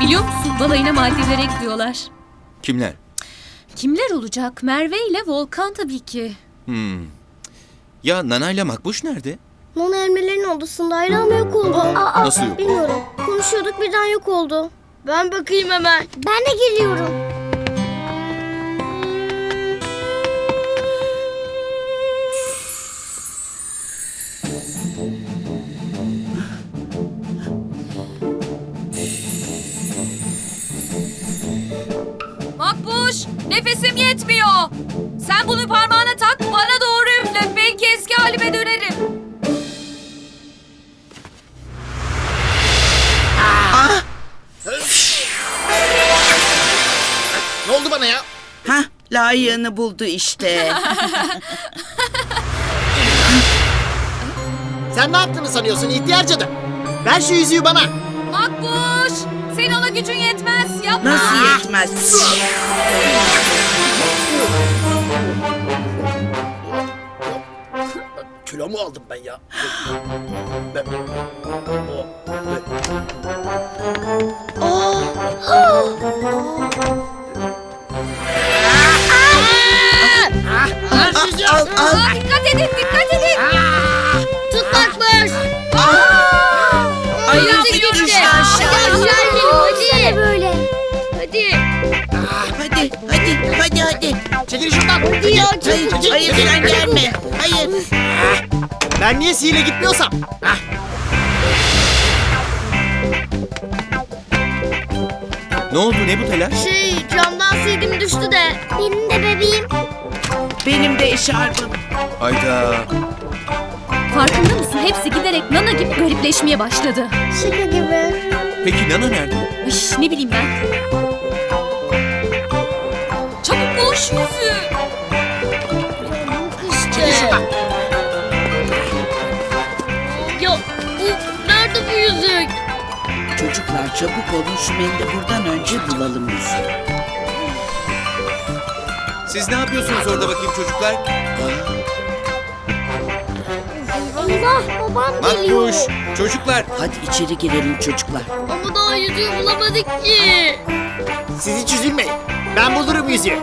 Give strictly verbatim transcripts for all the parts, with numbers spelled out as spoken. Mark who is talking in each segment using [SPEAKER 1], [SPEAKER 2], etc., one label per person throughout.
[SPEAKER 1] Biliyor musun, balayına Maldivlere gidiyorlar.
[SPEAKER 2] Kimler?
[SPEAKER 1] Kimler olacak? Merve ile Volkan tabii ki.
[SPEAKER 2] Hmm. Ya Nana ile Makbuş nerede?
[SPEAKER 3] Nana elmelerin odasındaydı ama yok oldu. Aa,
[SPEAKER 2] Nasıl yok?
[SPEAKER 3] bilmiyorum. Konuşuyorduk birden yok oldu. Ben bakayım hemen. Ben de geliyorum.
[SPEAKER 1] Makbuş, nefesim yetmiyor. Sen bunu parmağına tak, bana doğru üfle. Belki eski halime dönerim.
[SPEAKER 4] Ne oldu bana ya?
[SPEAKER 5] Hah, layığını buldu işte.
[SPEAKER 4] Sen ne yaptığını sanıyorsun ihtiyar cadı? Ver şu yüzüğü bana.
[SPEAKER 1] Makbuş, senin ona gücün yetmez. Yapma.
[SPEAKER 5] Nasıl yetmez?
[SPEAKER 4] Kilo mu aldım ben ya? Ben... O... Ver şu yüzüğü.
[SPEAKER 5] Al, al.
[SPEAKER 1] Aa, dikkat edin, dikkat edin.
[SPEAKER 3] Tut Makbuş.
[SPEAKER 5] Ay,
[SPEAKER 3] Hadi
[SPEAKER 5] bir
[SPEAKER 3] gitti.
[SPEAKER 5] düştü aşağı.
[SPEAKER 3] Hadi hadi. Hadi böyle. Hadi.
[SPEAKER 5] Hadi, hadi, hadi, hadi.
[SPEAKER 4] Çekil şuradan.
[SPEAKER 3] Hadi ya
[SPEAKER 5] Hayır,
[SPEAKER 3] çabuk.
[SPEAKER 5] hayır sen gelme. Hayır.
[SPEAKER 4] Ben niye sihirle gitmiyorsam? Hah.
[SPEAKER 2] Ne oldu, ne bu telaş?
[SPEAKER 3] Şey camdan sildim düştü de. Benim de bebeğim.
[SPEAKER 5] Benim de eşarbım.
[SPEAKER 2] Hayda.
[SPEAKER 1] Farkında mısın? Hepsi giderek Nana gibi garipleşmeye başladı.
[SPEAKER 3] Şaka gibi.
[SPEAKER 2] Peki Nana nerede?
[SPEAKER 1] Üş, ne bileyim ben. Çabuk bul şu yüzüğü.
[SPEAKER 3] Çekil şuradan. Ya bu nerede bu yüzük?
[SPEAKER 5] Çocuklar çabuk olun, şu mendili buradan önce bulalım yüzü.
[SPEAKER 2] Siz ne yapıyorsunuz orada bakayım çocuklar?
[SPEAKER 3] Eyvah babam geliyor.
[SPEAKER 2] Makbuş, çocuklar.
[SPEAKER 5] Hadi içeri girelim çocuklar.
[SPEAKER 3] Ama daha yüzüğü bulamadık ki.
[SPEAKER 4] Siz hiç üzülmeyin. Ben bulurum yüzüğü.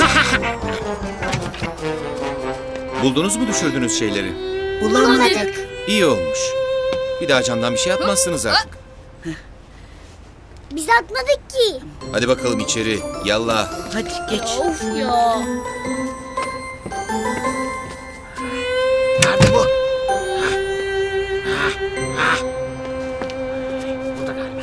[SPEAKER 2] Buldunuz mu düşürdüğünüz şeyleri?
[SPEAKER 5] Bulamadık.
[SPEAKER 2] İyi olmuş. Bir daha camdan bir şey atmazsınız artık.
[SPEAKER 3] Biz atmadık ki.
[SPEAKER 2] Hadi bakalım içeri. Yallah.
[SPEAKER 5] Hadi geç.
[SPEAKER 3] Of ya.
[SPEAKER 4] Nerede bu? Burada galiba.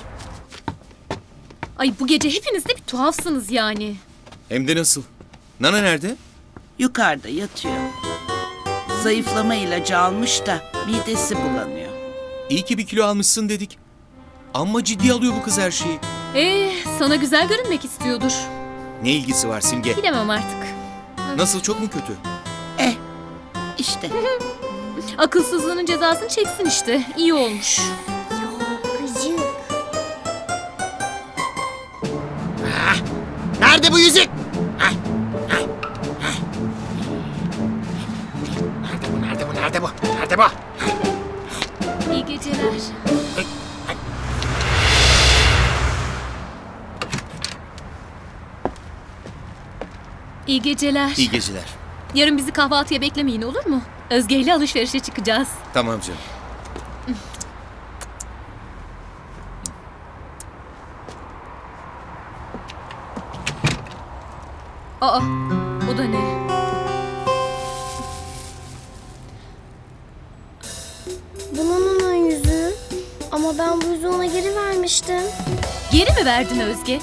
[SPEAKER 1] Ay bu gece hepiniz de bir tuhafsınız yani.
[SPEAKER 2] Hem de nasıl? Nana nerede?
[SPEAKER 5] Yukarıda yatıyor. Zayıflama ilacı almış da midesi bulanıyor.
[SPEAKER 2] İyi ki bir kilo almışsın dedik. Amma ciddi alıyor bu kız her şeyi.
[SPEAKER 1] Ee, sana güzel görünmek istiyordur.
[SPEAKER 2] Ne ilgisi var Simge?
[SPEAKER 1] Bilemem artık.
[SPEAKER 2] Nasıl, çok mu kötü?
[SPEAKER 5] Eh, işte.
[SPEAKER 1] Akılsızlığının cezasını çeksin işte. İyi olmuş.
[SPEAKER 3] Gıcık.
[SPEAKER 4] Nerede bu yüzük? Hah, hah, hah. Nerede bu? Nerede bu? Nerede bu? Nerede bu?
[SPEAKER 1] İyi geceler. İyi geceler.
[SPEAKER 2] İyi geceler.
[SPEAKER 1] Yarın bizi kahvaltıya beklemeyin, olur mu? Özge ile alışverişe çıkacağız.
[SPEAKER 2] Tamam canım.
[SPEAKER 1] Aa, o da ne?
[SPEAKER 3] Bunun onun yüzüğü. Ama ben bu yüzüğü ona geri vermiştim.
[SPEAKER 1] Geri mi verdin Özge?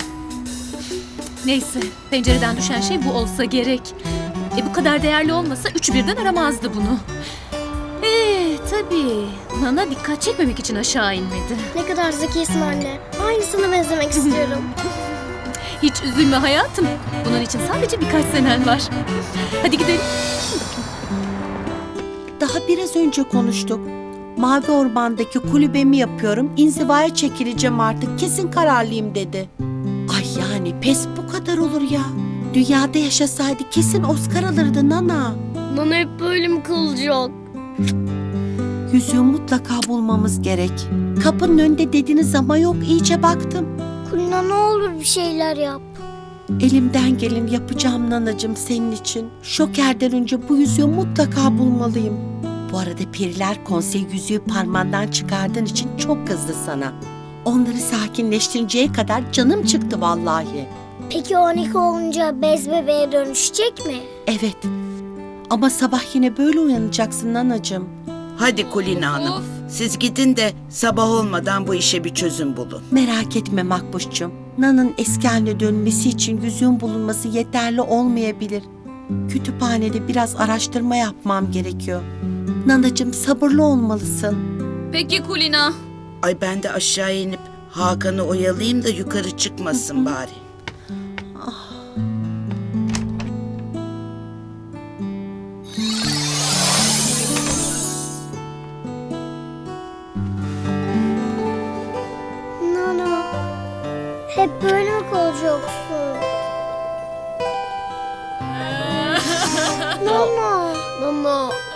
[SPEAKER 1] Neyse, pencereden düşen şey bu olsa gerek. E bu kadar değerli olmasa üç birden aramazdı bunu. Ee tabii. Nana dikkat çekmemek için aşağı inmedi.
[SPEAKER 3] Ne kadar zekisin anne. Aynısına benzemek istiyorum.
[SPEAKER 1] Hiç üzülme hayatım. Bunun için sadece birkaç senen var. Hadi gidelim.
[SPEAKER 6] Daha biraz önce konuştuk. Mavi Orman'daki kulübemi yapıyorum. İnzivaya çekileceğim artık. Kesin kararlıyım dedi. Ay yani pes bu kadar olur ya. Dünyada yaşasaydı kesin Oscar alırdı Nana.
[SPEAKER 3] Nana hep böyle mi kalacak?
[SPEAKER 6] Yüzüğü mutlaka bulmamız gerek. Kapının önünde dediniz ama yok, iyice baktım.
[SPEAKER 3] Kulina ne olur bir şeyler yap.
[SPEAKER 6] Elimden geleni yapacağım nanacığım senin için. Şokerden önce bu yüzüğü mutlaka bulmalıyım. Bu arada Periler Konseyi yüzüğü parmağından çıkardığın için çok kızdı sana. Onları sakinleştirinceye kadar canım çıktı vallahi.
[SPEAKER 3] Peki on iki olunca bez bebeğe dönüşecek mi?
[SPEAKER 6] Evet. Ama sabah yine böyle uyanacaksın nanacığım.
[SPEAKER 5] Hadi Kulina Hanım.
[SPEAKER 1] Of.
[SPEAKER 5] Siz gidin de sabah olmadan bu işe bir çözüm bulun.
[SPEAKER 6] Merak etme Makbuş'cum. Nan'ın eski haline dönmesi için yüzüğün bulunması yeterli olmayabilir. Kütüphanede biraz araştırma yapmam gerekiyor. Nanacığım sabırlı olmalısın.
[SPEAKER 1] Peki Kulina.
[SPEAKER 5] Ay ben de aşağı inip Hakan'ı oyalayayım da yukarı çıkmasın bari.
[SPEAKER 3] Nana, hep böyle mi kalacaksın? Nana.
[SPEAKER 1] Nana.